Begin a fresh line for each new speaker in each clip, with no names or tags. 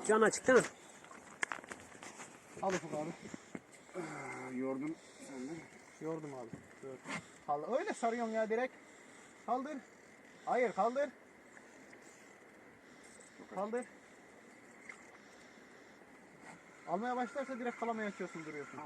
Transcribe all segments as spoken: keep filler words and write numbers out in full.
Can açık değil mi?
Al Ufuk abi.
Yordum sen de.
Yordum abi. Dur. Kal- Öyle sarıyorsun ya direkt. Kaldır. Hayır kaldır. Kaldır. Almaya başlarsa direkt kalamaya açıyorsun, duruyorsun.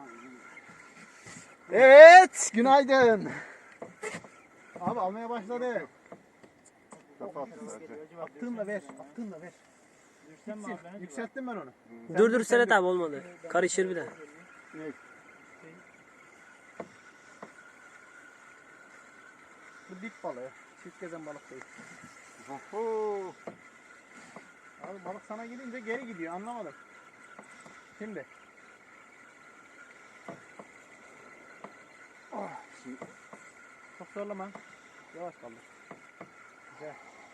Evet, günaydın. Abi almaya başladı.
Kafa attı zaten.
Attığınla ver, attığınla ver. Gitsin. Yükselttim ben onu.
Dur dur Serhat abi olmadı. Karışır bir de.
Ne?
Bu dip balığı. Çift gezen balık değil.
Oho.
Abi balık sana gidince geri gidiyor, anlamadım. Şimdi.
Ah, şimdi
Çok zorlama. Yavaş kaldır. Güzel.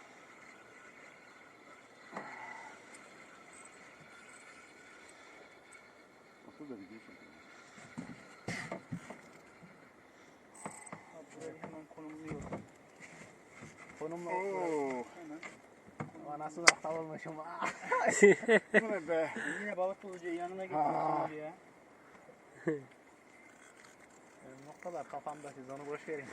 otur da video çekelim.
Burayı hemen konumluyorum. Konumla
Oo.
hemen. Ama nasıl aptal olmuşum.
Bu ne be?
Yine balık bulucu yanına
Aa.
gitmişsin ya. Benim o kadar kafamda, siz onu boş verin.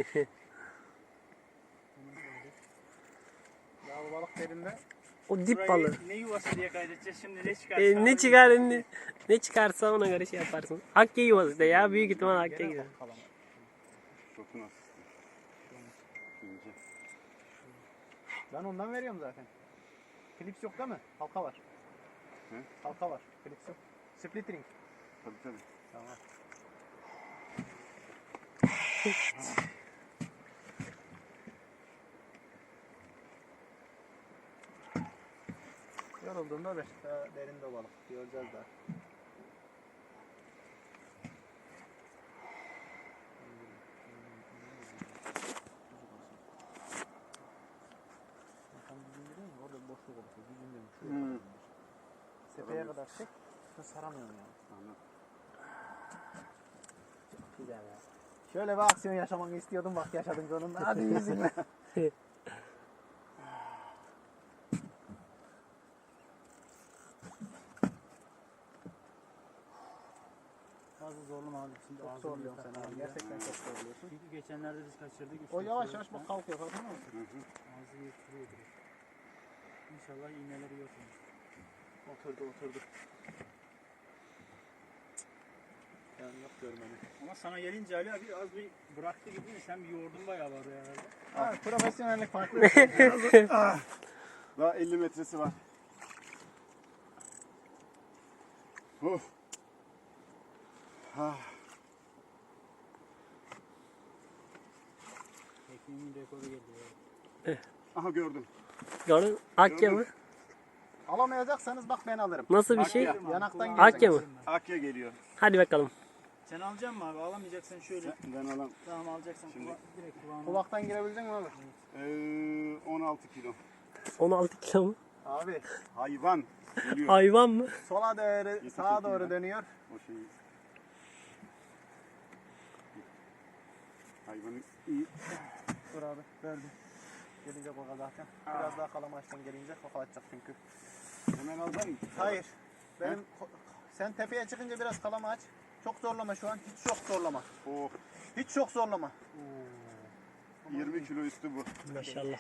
Ya bu balık derinde.
O dip balığı.
Ne yuvası diye kaydedeceğiz şimdi, ne çıkarsa.
E, ne çıkar ne, ne çıkarsa ona göre şey yaparsın. Akya yuvası da ya, büyük ihtimal Akya
Gene
gider.
bak kalama.
Şotu nasıl? İnce.
Ben ondan veriyorum zaten. Klips yok değil mi? Halka var.
He?
Halka var. Klips yok. Split ring.
Tabii tabii.
Tamam. Yorulduğunda ver. Daha derinde balık. Göreceğiz daha. Orada boşluk olursa düzgün
Hmm.
Sepeye kadar çek. Saramıyorum yani.
Anladım.
Çok güzel ya. Şöyle bir aksiyon yaşamanı istiyordum, bak yaşadın sonunda. Hadi yüzünle.
Fazla zorlama abi. Şimdi
Çok
ağzını
zorluyorsun
yırtar
sen abi.
abi ya.
Gerçekten çok zorluyorsun.
Çünkü geçenlerde biz kaçırdık. üç
O
dört
yavaş
kere
yavaş
falan.
bak kalkıyor, farkında mısın?
Hı hı.
Ağzı yırtılıyor direkt. İnşallah iğneleri yok. onun. Oturdu oturdu.
Yani yok görmeni.
Ama sana gelince Ali abi az bir bıraktı gibi mi? Sen bir yoğurdun bayağı var herhalde.
Ha, profesyonellik farklı.
Ah. Daha elli metresi var. Of. Ah.
Tekniğimin rekoru geldi ya.
Aha gördüm.
Gördün? Akya mı?
Alamayacaksanız bak ben alırım.
Nasıl bir şey?
Akya.
Yanaktan
Akya
gireceğim.
mı?
Akya geliyor.
Hadi bakalım.
Sen alacaksın mı abi? Alamayacaksan şöyle.
Ben alam.
Tamam alacaksan
Şimdi-
kula- direkt kulağına.
Kulaktan girebilecek mi abi?
Ee, on altı kilo.
on altı kilo mu?
Abi
Hayvan. Geliyor.
Hayvan mı?
sola doğru,
Yetişecek
sağa doğru
ya.
dönüyor.
O şeyi. Hayvanı iyi.
Dur abi, verdim. Gelince koka zaten. Biraz daha kalamaçtan gelince koka atacak çünkü.
Hemen alacak mısın?
Hayır. Benim ko- sen tepeye çıkınca biraz kalama aç. Çok zorlama şu an. Hiç çok zorlama.
Oh,
Hiç çok zorlama.
yirmi kilo üstü bu.
Maşallah.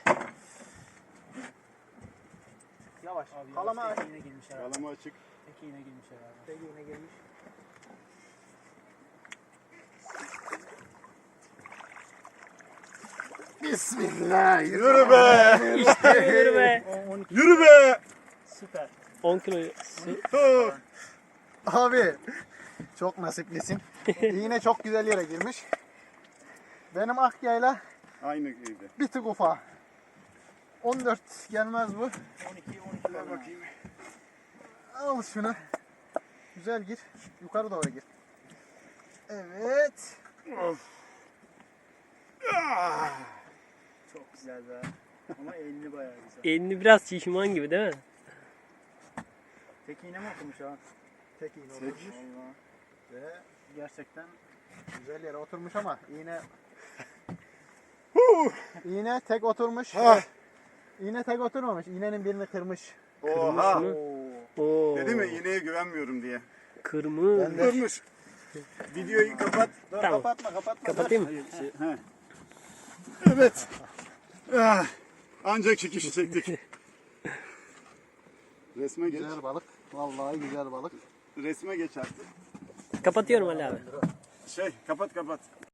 Yavaş.
Abi
Kalama
yavaş,
aç.
tek iğne girmiş herhalde.
Kalama açık.
Tek iğne girmiş herhalde.
Tek iğne gelmiş.
Bismillah. Yürü be.
Yürü be.
Yürü be.
Süper.
on kilo.
Abi çok nasiplisin. İğne çok güzel yere girmiş. Benim Akya'yla
Aynı evde.
bir tık ufa. on dört gelmez bu.
on iki on iki
Ver bakayım.
Al şunu. Güzel gir. Yukarı doğru gir. Evet.
Çok güzel be. Ama elini bayağı güzel.
Elini biraz şişman gibi değil mi?
Tek iğne mi okumuş ha?
Tek iğne
Tek.
oturmuş.
Allah.
Ve
Gerçekten
güzel yere oturmuş ama iğne iğne tek oturmuş.
Ah.
İğne tek oturmamış. İğnenin birini kırmış.
Oha.
mı?
Oo.
Oo.
Dedi mi iğneye güvenmiyorum diye.
Kırmızı.
Durmuş. Videoyu kapat.
Dur
Tamam.
kapatma kapatma.
Kapatayım mı?
Şey, he. Evet. Ah, ancak çekişi çektik. Resme geç.
Güzel balık. Vallahi güzel balık.
Resme geç artık.
Kapatıyorum Ali abi.
Şey kapat kapat.